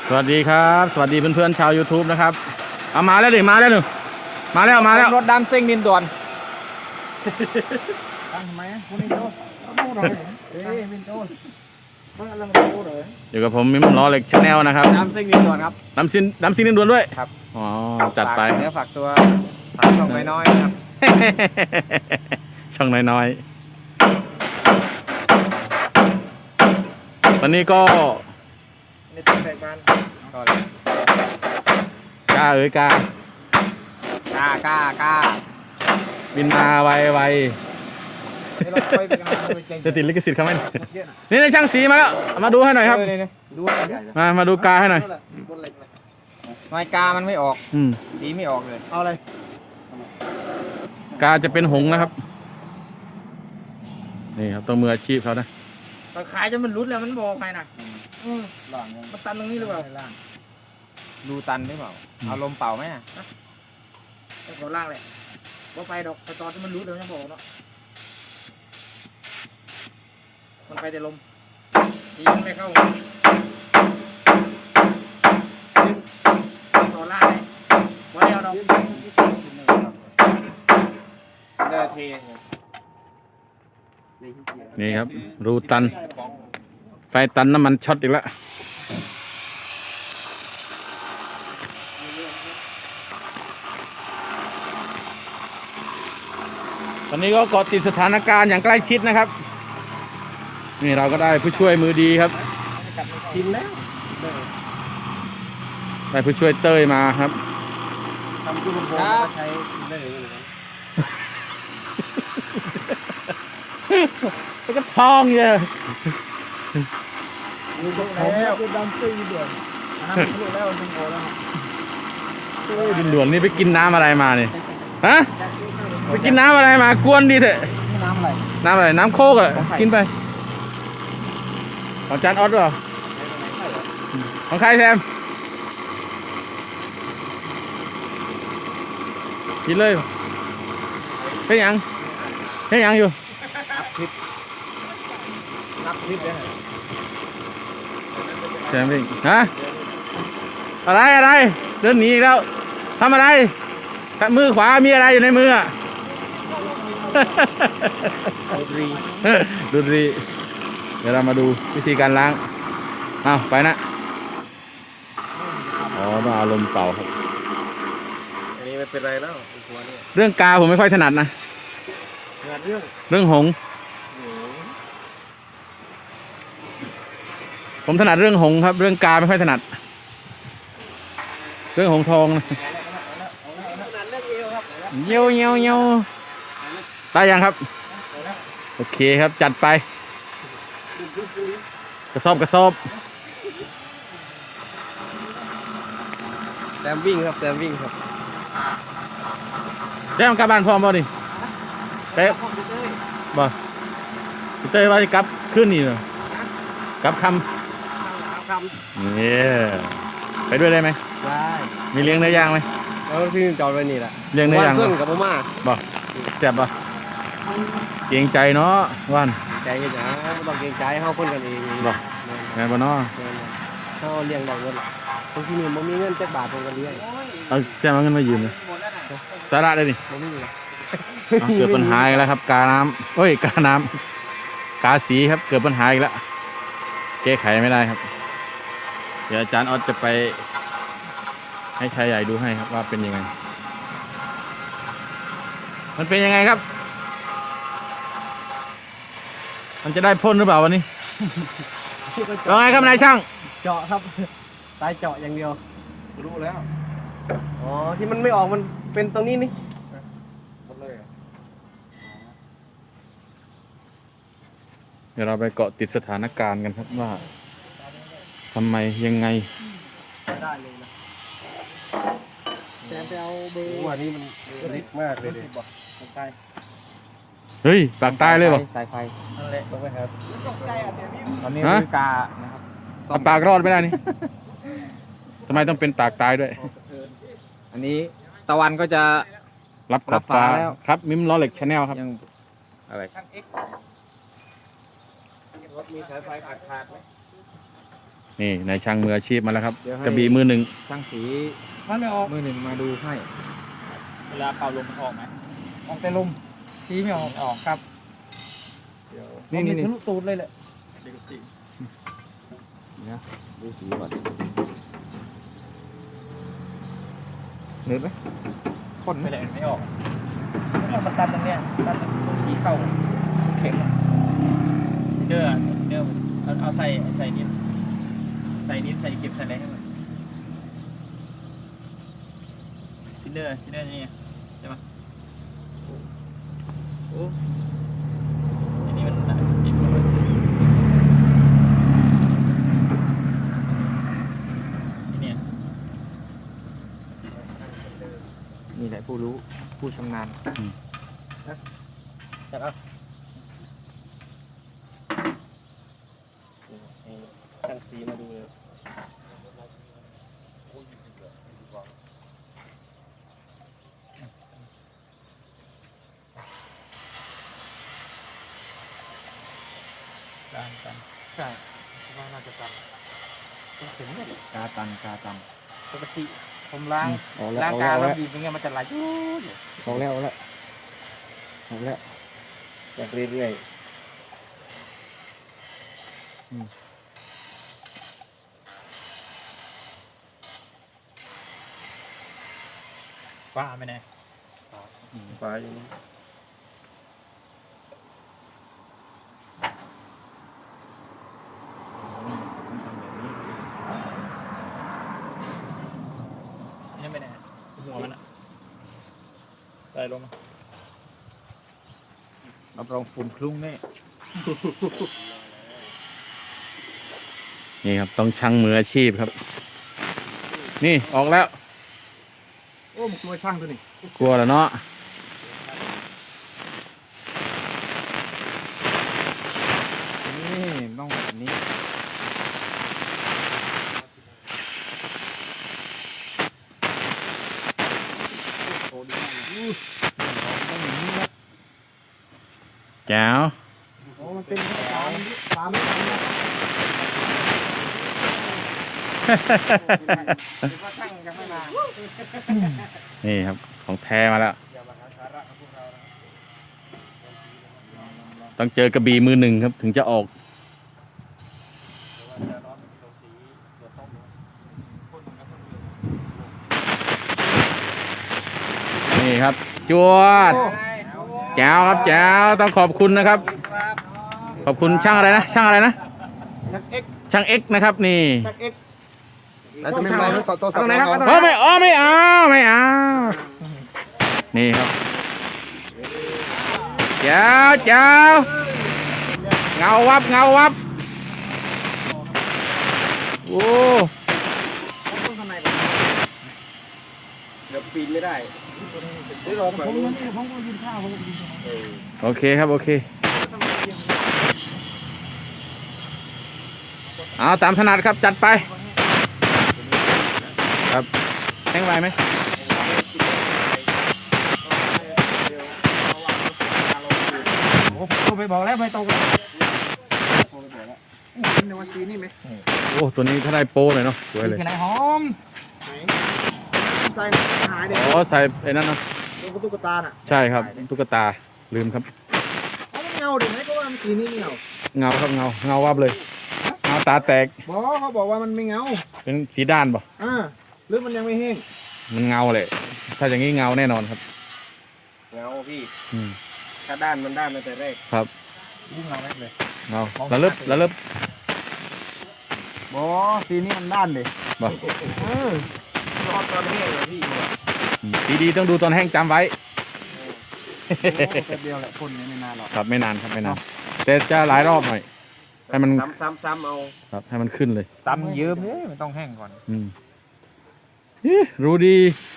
สวัสดีครับสวัสดีเพื่อนๆชาว YouTube นะครับเอามาแล้วดิมาแล้วหนูมาแล้วรถดันซิ่งดินด่วนทำไมคุณนี่โจ้ดูเลยเอ้ยวินโจ้เพิ่งอะไรมาดูเลยอยู่กับผมมิมล้อเหล็กชาแนลนะครับดันซิ่งดินด่วนครับน้ำซินด่วนด้วยครับอ๋อจัดไปเนื้อฝากตัวฝากช่องน้อยๆนะครับช่องน้อยๆตอนนี้ก็ในตัวแตกบ้านกล้ากล้าบินมาไวจะติดลิขสิทธิ์เขาไหมนี่ในช่างสีมาแล้วมาดูให้หน่อยครับมาดูกาให้หน่อยน้อยกามันไม่ออกสีไม่ออกเลยเอาอะไรกาจะเป็นหงนะครับนี่ครับต้องมืออาชีพเขานะขายจนมันรุดแล้วมันบอกใครนะมันตันตรงนี้หรือเปล่าดูตันหรือเปล่าเอาลมเป่าไหมเขาล่างเลยว่าไปดอกตอนที่มันรุดแล้วยังบอกเนาะมันไปแต่ลมดีมันไม่เข้าต่อล่างเลยวันเดียวดอกเดินเทนี่ครับรูตันไฟตันน้ำมันช็อตอีกแล้วตอนนี้ก็เกาะติดสถานการณ์อย่างใกล้ชิดนะครับนี่เราก็ได้ผู้ช่วยมือดีครับกินแล้วได้ผู้ช่วยเต้ยมาครับทำกุ้งโบราณใช้ได้เลยแล้วก็ทองเยอะดูตรงแล้วคือดำซีด่วนน้ำรู้แล้วคุณโอแล้วดินด่วนนี่ไปกินน้ำอะไรมาเนี่ยฮะไปกินน้ำอะไรมากวนดีเถอะน้ำอะไรน้ำโคกอ่ะกินไปของจานออสหรอของใครแซมกินเลยเฮ้ยยังอยู่นับคลิปเลยแซมวิ่งฮะอะไรเดินหนีอีกแล้วทำอะไรมือขวามีอะไรอยู่ในมืออ่ะดูดีเดี๋ยวเรามาดูวิธีการล้างเอาไปนะอ๋อต้องเอาลมเป่าครับอันนี้ไม่เป็นไรแล้วเรื่องกาผมไม่ค่อยถนัดนะเรื่องหงผมถนัดเรื่องหงครับเรื่องกาไม่ค่อยถนัดเรื่องหงทองนะเยี่ยวได้ยังครับโอเคครับจัดไปกระสอบแซมวิ่งครับแซมกลับบ้านพร้อมบ่ดิเป๊ะบ่เต้ว่าจะกลับขึ้นนี่เหรอกลับคำเนี่ยไปด้วยได้ไหมได้มีเลี้ยงเนื้อย่างไหมพี่จอดไว้นี่แหละเลี้ยงเนื้อย่างเพื่อนกับพ่อมาบ่แซ่บบ่เกรงใจเนาะว่านใจกันจ้ะไม่ต้องเกรงใจเขาคนกันเองบ่แม่บ่เนาะเขาเลี้ยงได้เงินบางทีนี่มันมีเงิน7 บาทผมก็เลี้ยงเอาแซ่บเงินมายืมเลยสาระได้ดิเกิดปัญหาอีกแล้วครับกาน้ำกาน้ำกาสีครับเกิดปัญหาอีกแล้วแก้ไขไม่ได้ครับเดี๋ยวอาจารย์ออสจะไปให้ชายใหญ่ดูให้ครับว่าเป็นยังไงมันเป็นยังไงครับมันจะได้พ่นหรือเปล่าวันนี้ว่าไงครับนายช่างเจาะครับตายเจาะอย่างเดียวรู้แล้วอ๋อที่มันไม่ออกมันเป็นตรงนี้นี่หมดเลยเดี๋ยวเราไปเกาะติดสถานการณ์กันครับว่าทำไมยังไงได้เลยนะแต่ไปเอาเบอร์วันนี้มันริบมากเลยดิเฮ้ยปากตายเลยป่ะสายไฟนั่นแหละต้องไปครับตอนนี้คือกานะครับปากรอดไม่ได้นี่ทำไมต้องเป็นปากตายด้วยอันนี้ตะวันก็จะรับขอบฟ้าครับมิมล้อเหล็กชาแนลครับยังอะไรรถมีสายไฟขาดไหมนี่นายช่างมืออาชีพมาแล้วครับกระบี่มือหนึ่งช่างสีมันไม่ออกมือหนึ่งมาดูให้เวลาเป่าลมมันออกไหมออกแต่ลมสีไม่ออกออกครับนี่นี่นี่ทะลุตูดเลยแหละเด็กสีนะดูสีก่อนเห็นไหมข้นไหมไม่แหละไม่ออกแล้วมันตันตรงเนี้ยตันตรงสีเข้าเข็มเด้อเอาใส่นิดใส่เก็บใส่อะไรให้มันทินเดอร์นี่ใช่ไหมโอ้อันนี้มันติดเลยเนี่ยนี่แหละผู้รู้ผู้ชำนาญจับเอาช่างสีมาดูเลยกันใช่ว่าน่าจะตันเข็มเนี่ยกาตันปกติผมล้างเอาแล้วล้างเอากาแล้วแล้วบีบอย่างเงี้ยมันจะไหลจู๊ดเอาแล้วจากเรื่อยว่าไม่แน่ๆฟ้าอย่างนี้นี่ไม่แน่หัวมันอะใส่ลงมารับรองฝุ่นคลุ้งแน่นี่ครับต้องช่างมืออาชีพครับ นี่ออกแล้วโอ้มันกลัวช่างตัวนี้กลัวแล้วเนาะนี่ต้องแบบนี้แจ๋วโอ้มันเป็นปลาไม่ทันนะคิดว่าช่างยังไม่มานี่ครับของแท้มาแล้ว ต้องเจอกระบี่มือหนึ่งครับถึงจะออก นี่ครับจวดแจ๋วครับแจ๋วต้องขอบคุณนะครับ ขอบคุณช่างอะไรนะช่างอะไรนะ ช่างเอ็กนะครับนี่แล้วจะไม่มาแล้วต่อสับโอ้ไม่เอาไม่เอานี่ครับแจ๋วแจ๋วเงาวับโอ้เดี๋ยวปีนไม่ได้โอเคครับโอเคเอาตามถนัดครับจัดไปครับแห้งไวไหมโอ้ผมไปบอกแล้วไม่ตรงเลยในวันซีนี่ไหมโอ้ตัวนี้ถ้าได้โป้เลยเนาะสวยเลยแค่ไหนหอมใส่หายเด็กอ๋อใส่ไอ้นั่นเนาะตุ๊กตาน่ะใช่ครับตุ๊กตาลืมครับเอาเงาดิไหมก็ว่ามันสีนี่เงาเงาครับเงาวับเลยเงาตาแตกเขาบอกว่ามันไม่เงาเป็นสีด้านป่ะหรือมันยังไม่แห้งมันเงาเลยถ้าอย่างนี้เงาแน่นอนครับเงาพี่อืมถ้าด้านมันด้านตั้งแต่แรกครับยิ่งเราแรกเลยเงาระลึบสีนี้มันด้านเลยบ่รอตอนแห้งเลยพี่สีดีต้องดูตอนแห้งจำไว้แป๊บเดียวแหละพ่นไม่นานหรอกครับไม่นานครับไม่นานแต่จะหลายรอบหน่อยให้มันซ้ำเอาครับให้มันขึ้นเลยตำเยิ้มเนี่ยมันต้องแห้งก่อนอืมรู้ดี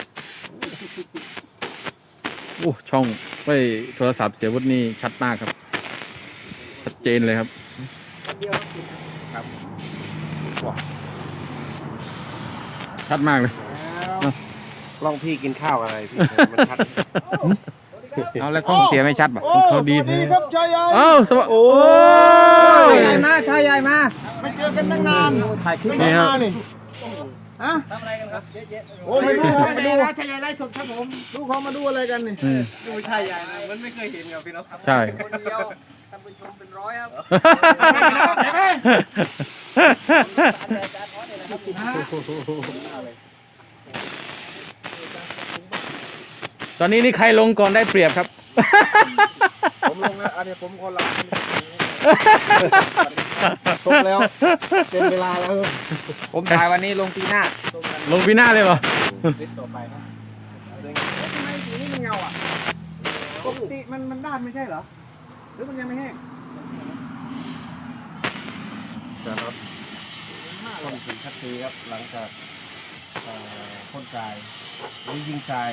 โอ้ช่องไว้โทรศัพท์เสียวุฒินี่ชัดมากครับชัดเจนเลยครับชัดมากเลยลองพี่กินข้าวอะไรพี่มันชัดเอาแล้วต้องเสียไม่ชัดป่ะเขาดีแท้ครับชายใหญ่เอ้าสวัสดีโอ้ยใหญ่มาชายใหญ่มาไม่เจอกันตั้งนานถ่ายคลิปนี่ครับนี่ฮะโอ้ไม่รู้ครับมาดูชายใหญ่ไล่สดครับผมดูเขามาดูอะไรกันนี่อืมดูชายใหญ่นะมันไม่เคยเห็นกับพี่น้องใช่คนเดียวท่านผู้ชมเป็นร้อยครับตอนนี้นี่ใครลงก่อนได้เปรียบครับผมลงนะอันนี้ผมคนละตกแล้วเป็นเวลาแล้วผมถ่ายวันนี้ลงปีหน้าลงปีหน้าเลยเหรอลิสต่อไปนะทำไมสีนี้มันเงาอ่ะปกติมันด้านไม่ใช่เหรอหรือมันยังไม่แห้งครับต้นสีคัดซีครับหลังจากพ่นทรายหรือยิงทราย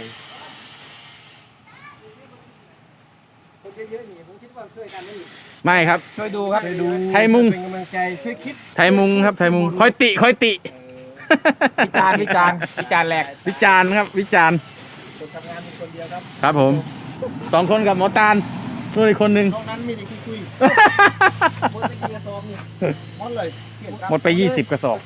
คนเยอะๆนี่ผมคิดว่าช่วยกันไม่ไม่ครับช่วยดูครับช่วยดูไทยมุงเป็นกำลังใจช่วยคิดไทยมุงครับไทยมุงคอยติคอยติวิจารณ์วิจารณ์วิจารณ์แหลกวิจารณ์ครับ วิจารณ์คนทำงานมีคนเดียวครับครับผม2 คนกับหมอตาลนู่นอีกคนหนึ่งนอกนั้นมีแต่คุยหมดไปกี่กระสอบนี่หมดเลยเปลี่ยนครับหมดไป20 กระสอบ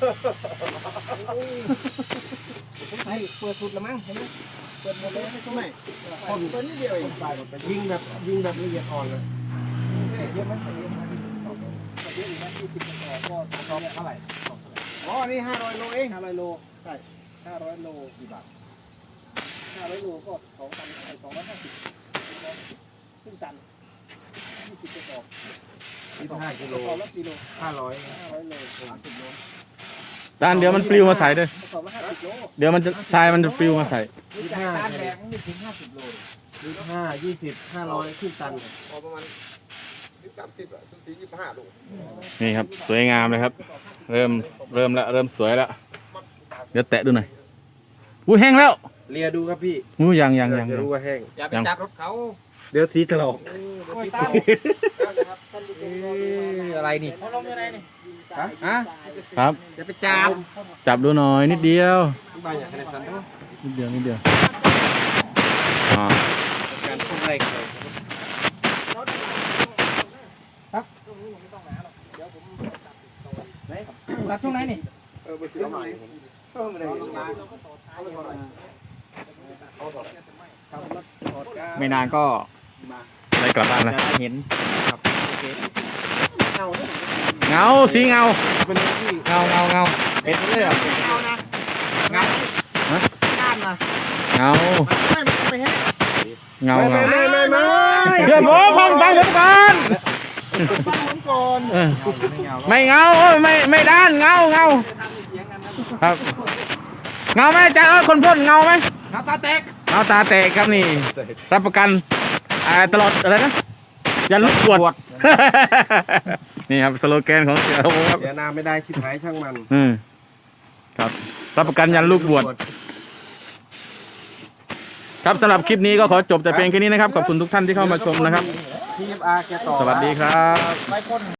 ให้เปิดสุดละมั้งเห็นไหมเปิดหมดเลยไม่ต้องไหนคนตัวนี้เดียวเองยิงแบบละเอียดอ่อนเลยเยอะไหมเยอะไหมเยอะอยู่นะ20กระสอบก็กระสอบเท่าไหร่อ๋อนี่500 โลเอง 500 โลใช่ 500 โลกี่บาท500 โลก็2,250ครึ่งตัน20กระสอบ 25 กิโลกระสอบละกิโล 500 500 โล30 โลตาลเดี๋ยวมันปลิวมาใส่ด้วยกระสอบละ50 โลเดี๋ยวมันจะทรายมันจะปลิวมาใส่นี่จากการแบกไม่ถึง50 โล 25 20 500ขึ้นตันประมาณนี่ครับ สวยงามเลยครับ เริ่มแล้วเริ่มสวยแล้วเดี๋ยวแตะดูหน่อยอุ้ยแห้งแล้วเลียดูครับพี่อู้ยังจะรู้ว่าแห้งอย่าไปจับรถเขาเดี๋ยวสีถลอกโอ้ยตามนะครับท่านผู้ชมรอดูว่าอะไรนี่เขาลงยังไงนี่ฮะครับอย่าไปจับจับดูหน่อยนิดเดียวบ้านอยากให้ทันด้วยนิดเดียวอ่าการพุ่งแรงเลยรัดช่วงไหนนี่ไปซื้อใหม่ไม่นานก็ได้กลับบ้านแล้วจะเห็นเงาสีเงาเป็นที่เงาเป็นเรื่องเงาเงาไม่แห้งเงาไม่เพื่อนผมฟังผมก่อนฟังผมก่อนเออไม่เงาโอ้ยไม่ด้านเงาครับเงาไหมอาจารย์คนพ่นเงาไหมเงาตาแตกเงาตาแตกครับนี่ รับประกันตลอดอะไรนะยันลูกปวด นี่ครับสโลแกนของเสียโอครับเดี๋ยวนาไม่ได้ชิบหายช่างมันครับรับประกันยันลูกบวชครับสำหรับคลิปนี้ก็ขอจบแต่เพียงแค่นี้นะครับขอบคุณทุกท่านที่เข้ามาชมนะครับ TFR แกต่อสวัสดีครับไปพ่น